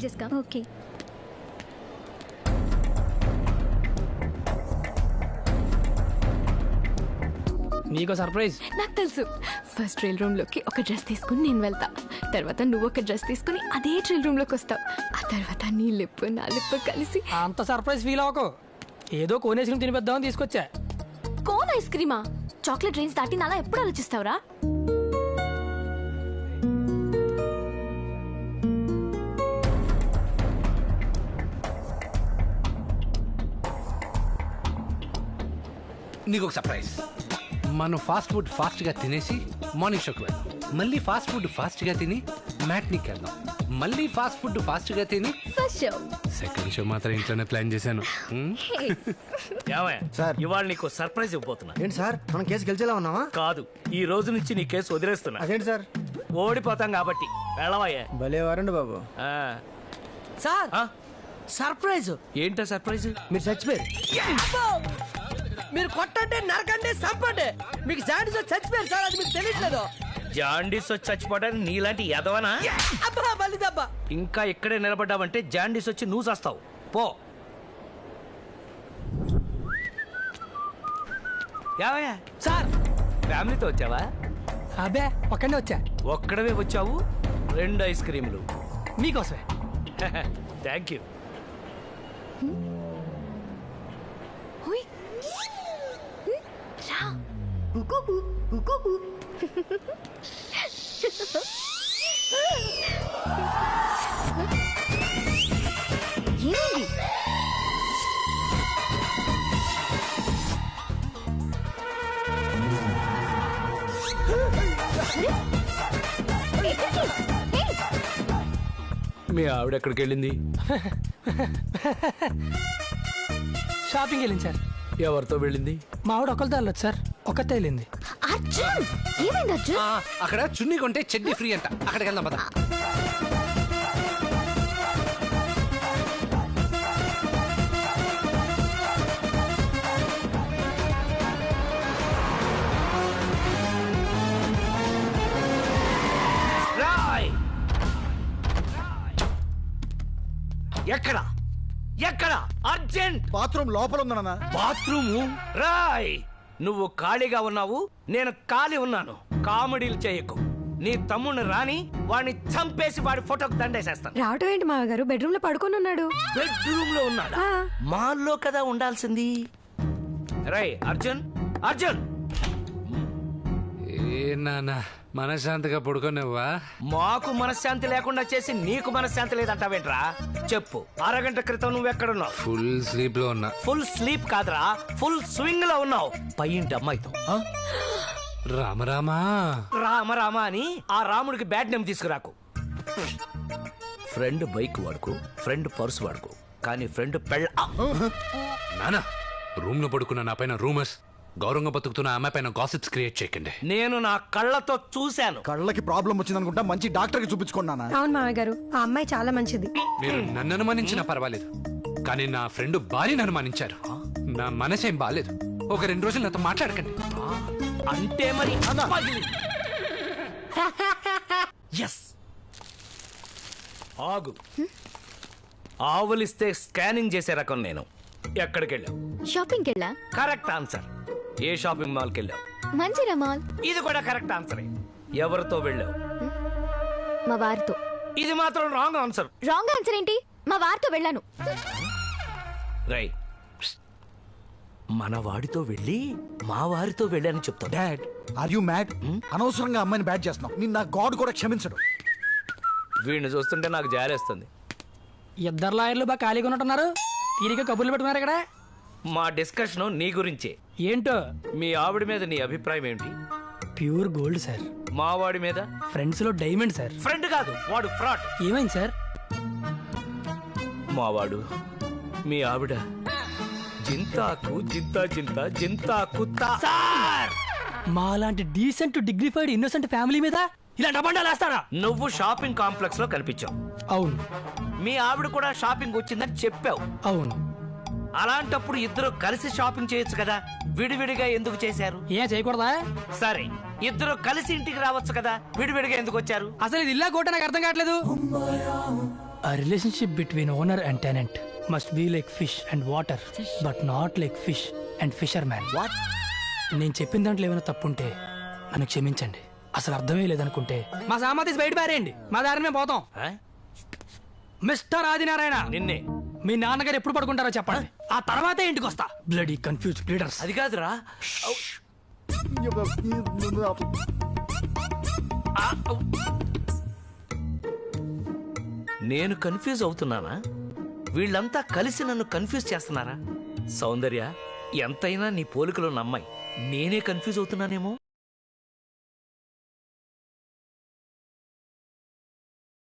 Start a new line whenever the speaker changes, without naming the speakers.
చేసుకో.
ఓకే.
నీకో సర్ప్రైజ్.
నాకు తెలుసు. ఫస్ట్ ట్రైల్ రూమ్ లోకి ఒక డ్రెస్ తీసుకుని నేను వెళ్తా. తర్వాత నువ్వు ఒక డ్రెస్ తీసుకుని అదే ట్రైల్ రూమ్ లోకి వస్తావు. ఆ తర్వాత నీ లిప్పు నా లిప్పు కలిసి.
అంత సర్ప్రైజ్ ఫీల్ అవ్వకు. ఏదో కోన్ ఐస్ క్రీమ్ తినిపిద్దామని తీసుకొచ్చా.
కోన్ ఐస్ క్రీమా? చాక్లెట్ డ్రింక్స్ దాటి అలా ఎప్పుడు ఆలోచిస్తావురా?
నీకు ఒక సర్ప్రైజ్. మనం ఫాస్ట్ ఫుడ్ ఫాస్ట్గా తినేసి మార్నింగ్ షోకి వెళ్దాం. మళ్ళీ ఫాస్ట్ ఫుడ్ ఫాస్ట్గా తిని మ్యాట్నీకి వెళ్దాం. మళ్ళీ ఫాస్ట్ ఫుడ్ ఫాస్ట్గా తిని
ఫస్ట్ షో.
సెకండ్ షో మాత్రం ఇంట్లోనే ప్లాన్ చేశాను.
సార్
ఇవాళ నీకు సర్ప్రైజ్ ఇవ్వబోతున్నా.
ఏంటి సార్, మనం కేసు గెలిచేలా ఉన్నావా?
కాదు, ఈ రోజు నుంచి నీ కేసు వదిలేస్తున్నా.
అదేంటి సార్?
ఓడిపోతాం కాబట్టి వెళ్ళవయ్యా.
భలే వారండి బాబు.
Sir surprise.
ఏంటో సర్ప్రైజ్?
మీరు చచ్చిపోయారు.
మీరు కొట్టండి, నరకండి, చంపండి. మీకు జాండీస్ వచ్చి చచ్చిపోయారు సార్, అది మీకు తెలియట్లేదు.
జాండీస్ వచ్చి చచ్చిపోవడానికి నీలాంటి ఎదవనా?
అబ్బా బలిదబ్బా.
ఇంకా ఇక్కడే నిలబడ్డావంటే జాండీస్ వచ్చి నువ్వు చేస్తావు. పో. యావయ్యా
సార్
ఫ్యామిలీతో వచ్చావా?
అబ్బే ఒక్కడే వచ్చా.
ఒక్కడవే వచ్చావు? 2 ఐస్ క్రీములు
మీకోసమే.
Thank you.
హుయ్. రా. గుగుగు గుగుగు. ఏమైంది?
మీ ఆవిడ ఎక్కడికి వెళ్ళింది?
షాపింగ్ వెళ్ళింది సార్.
ఎవరితో వెళ్ళింది?
మా ఆవిడ ఒకరితో వెళ్ళొచ్చు సార్. ఒక్కతే వెళ్ళింది.
అర్జున్ ఏమైంది అర్జున్?
అక్కడ చున్నీ కొంటే చెడ్డీ ఫ్రీ అంట. అక్కడికి వెళ్దాం పద.
ఎక్కడ ఎక్కడ? అర్జెంట్.
బాత్రూమ్ లోపల ఉందన్న.
బాత్రూము? రాయ్, నువ్వు ఖాళీగా ఉన్నావు, నేను ఖాళీ ఉన్నాను. కామెడీలు చేయకు. నీ తమ్ముడిని రాని వాడిని చంపేసి వాడి ఫోటోకి దండేసేస్తాను.
రావటం ఏంటి మావ గారు? బెడ్రూమ్ లో పడుకొని ఉన్నాడు.
బెడ్రూమ్ లో ఉన్నాడా? మాల్లో కదా ఉండాల్సింది. రై అర్జున్, అర్జున్.
ఏ నాన్న మనశ్శాంతిగా పడుకోనివ్వా?
మాకు మనశ్శాంతి లేకుండా చేసి నీకు మనశ్శాంతి లేదంటావేంట్రా? చెప్పు, అరగంట క్రితం నువ్వెక్కడున్నావు?
ఫుల్ స్లీప్ లో ఉన్నా.
ఫుల్ స్లీప్ కాదురా, ఫుల్ స్వింగ్ లో ఉన్నావు. పైంటి అమ్మాయితో.
రామరామా
రామ అని ఆ రాముడికి బ్యాడ్ నేమ్ తీసుకురాకు. ఫ్రెండ్ బైక్ వాడుకో, ఫ్రెండ్ పర్సు వాడుకో, కానీ ఫ్రెండ్ పెళ్ళ.
నానా, రూమ్ లో పడుకున్న నా పైన రూమర్స్, గౌరవంగా బతుకుతున్న అమ్మాయి పైన గాసిప్స్ క్రియేట్ చేయకండి.
నేను నా కళ్ళతో చూశాను.
కళ్ళకి ప్రాబ్లం వచ్చింది అనుకుంటా, మంచి డాక్టర్ కి చూపించుకున్నానా?
అవును మావ గారు, ఆ అమ్మాయి చాలా మంచిది.
మీరు నన్ను అనుమానించినా పర్వాలేదు, కానీ నా ఫ్రెండ్ భార్యను అనుమానించారు. నా మనసేం బాలేదు. ఒక 2 రోజులు నాతో మాట్లాడకండి.
అంటే మరి ఎస్. ఆగు. ఆవులిస్తే స్కానింగ్ చేసే రకం నేను. ఎక్కడికి వెళ్ళావు?
షాపింగ్కి వెళ్ళా.
Correct answer. ఏ షాపింగ్ మాల్కి వెళ్ళావు?
మంచిరా మాల్.
ఇది కూడా కరెక్ట్ ఆన్సరే. ఎవరితో వెళ్ళావు?
మా వారితో.
ఇది మాత్రం రాంగ్ ఆన్సర్.
రాంగ్ ఆన్సర్ ఏంటి? మా వారితో వెళ్ళాను.
రై, మన వాడితో వెళ్ళి మా వారితో వెళ్ళాను చెప్తా.
Dad, are you mad? అనవసరంగా అమ్మాయిని బ్యాడ్ చేస్తున్నావు. నిన్న గాడ్ కూడా క్షమించడు.
వీడిని చూస్తుంటే నాకు జాలేస్తుంది.
ఇద్దరు లాయర్లు బాగా ఖాళీగా ఉన్నట్టున్నారు. తీరిక కబుర్లు పెట్టుకున్నారు ఇక్కడ.
మా డిస్కషన్ నీ గురించే.
ఏంటో?
మీ ఆవిడ మీద నీ అభిప్రాయం ఏంటి?
Pure gold sir.
మా వాడి మీద?
ఫ్రెండ్స్ లో డైమండ్ సార్.
ఫ్రెండ్ కాదు, వాడు ఫ్రాడ్.
ఏమైంది సార్?
మావాడు, మీ ఆవిడ జింతాకు జింతా జింతా జింతాకు సార్.
మాలాంటి డీసెంట్ డిగ్నిఫైడ్ ఇన్నోసెంట్ ఫ్యామిలీ మీద ఇలాంటి అబండాలు వేస్తారా?
నువ్వు షాపింగ్ కాంప్లెక్స్ లో కనిపించావు.
అవును.
మీ ఆవిడ కూడా షాపింగ్ వచ్చిందని చెప్పావు.
అవును.
అలాంటప్పుడు ఇద్దరు కలిసి షాపింగ్ చేయొచ్చు కదా, విడివిడిగా ఎందుకు చేశారు?
ఏం చేయకూడదా?
సరే, ఇద్దరు కలిసి ఇంటికి రావచ్చు కదా, విడివిడిగా ఎందుకు వచ్చారు?
అసలు ఇది ఇల్లా కోట నాకు అర్థం కావట్లేదు. A relationship between owner and tenant must be like fish and water, but not like fish and fisherman.
What?
నేను చెప్పిన దాంట్లో ఏమైనా తప్పుంటే నన్ను క్షమించండి. అసలు అర్థమే లేదనుకుంటే మా సామాధి బయట పారేయండి, మా దారిని మేము పోతాం.
ఆ?
మిస్టర్ ఆదినారాయణ,
నిన్నే.
మీ నాన్నగారు ఎప్పుడు పడుకుంటారో చెప్పండి, ఆ తర్వాతే ఇంటికి వస్తా. Bloody confuse bleeders.
అది కాదురా. నేను కన్ఫ్యూజ్ అవుతున్నానా? వీళ్ళంతా కలిసి నన్ను కన్ఫ్యూజ్ చేస్తున్నారా? సౌందర్య, ఎంతైనా నీ పోలికలో నమ్మాయి. నేనే కన్ఫ్యూజ్ అవుతున్నానేమో.